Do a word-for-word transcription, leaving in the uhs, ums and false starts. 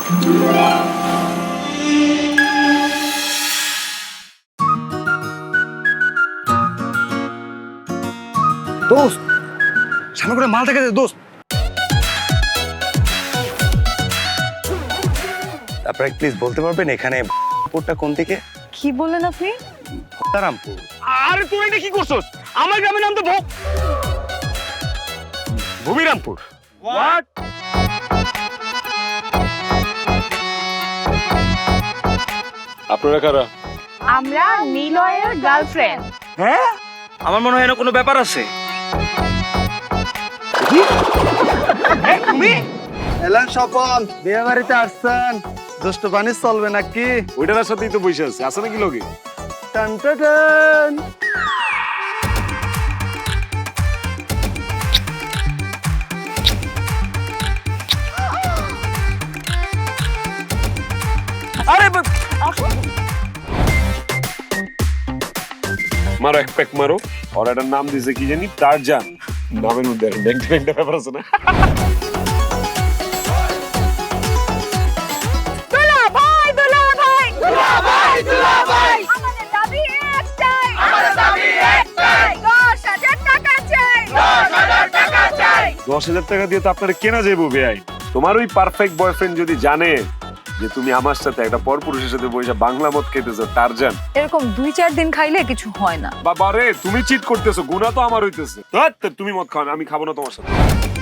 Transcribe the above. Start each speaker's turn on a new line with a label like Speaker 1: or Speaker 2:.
Speaker 1: দোস্ত সামনে করে মাল থেকে দে দোস্ত। আপনারা প্লিজ বলতে পারবেন এখানে পুরটা কোন দিকে?
Speaker 2: কি বললেন আপনি?
Speaker 1: ভক্তারামপুর।
Speaker 3: আরে তুই এটা কি করছস? আমার গ্রামের নাম তো ভোগ ভূমিরামপুর। হোয়াট? আপনারা কারা?
Speaker 2: আমরা নিলয়ের গার্লফ্রেন্ড।
Speaker 3: হ্যাঁ,
Speaker 4: আমার মনে হয় এর কোনো ব্যাপার আছে।
Speaker 3: এই তুমি
Speaker 5: এলেন স্বপন, বিয়ে বাড়িতে আসছেন, দুষ্ট পানি চলবে নাকি?
Speaker 3: ওইটার সাথেই তো বসে আছে, আছে নাকি লগে?
Speaker 5: টান টান টান।
Speaker 3: আরে মারো এক প্যাক মারো। আর এটার নাম দিয়েছে কি জানি, টারজান। নামের মধ্যে ব্যাংক ব্যাংকটা ব্যাপার আছে না?
Speaker 2: দুলা ভাই দুলা ভাই দুলা ভাই দুলা ভাই আমাদের দাবি একটাই আমাদের দাবি একটাই দশ হাজার টাকা চাই দশ হাজার টাকা চাই।
Speaker 3: দশ হাজার টাকা দিয়ে তো আপনার কেনা যাইবো বেআই। তোমার ওই পারফেক্ট বয়ফ্রেন্ড যদি জানে যে তুমি আমার সাথে একটা পরপুরুষের সাথে বসে বাংলা মদ খেতেছো, টারজান।
Speaker 2: এরকম দুই চার দিন খাইলে কিছু হয় না।
Speaker 3: বাবা রে, তুমি চিট করতেছো, গুনাহ তো আমার হইতেছে। ধ্যাৎ, তুমি মদ খাও না, আমি খাবো না তোমার সাথে।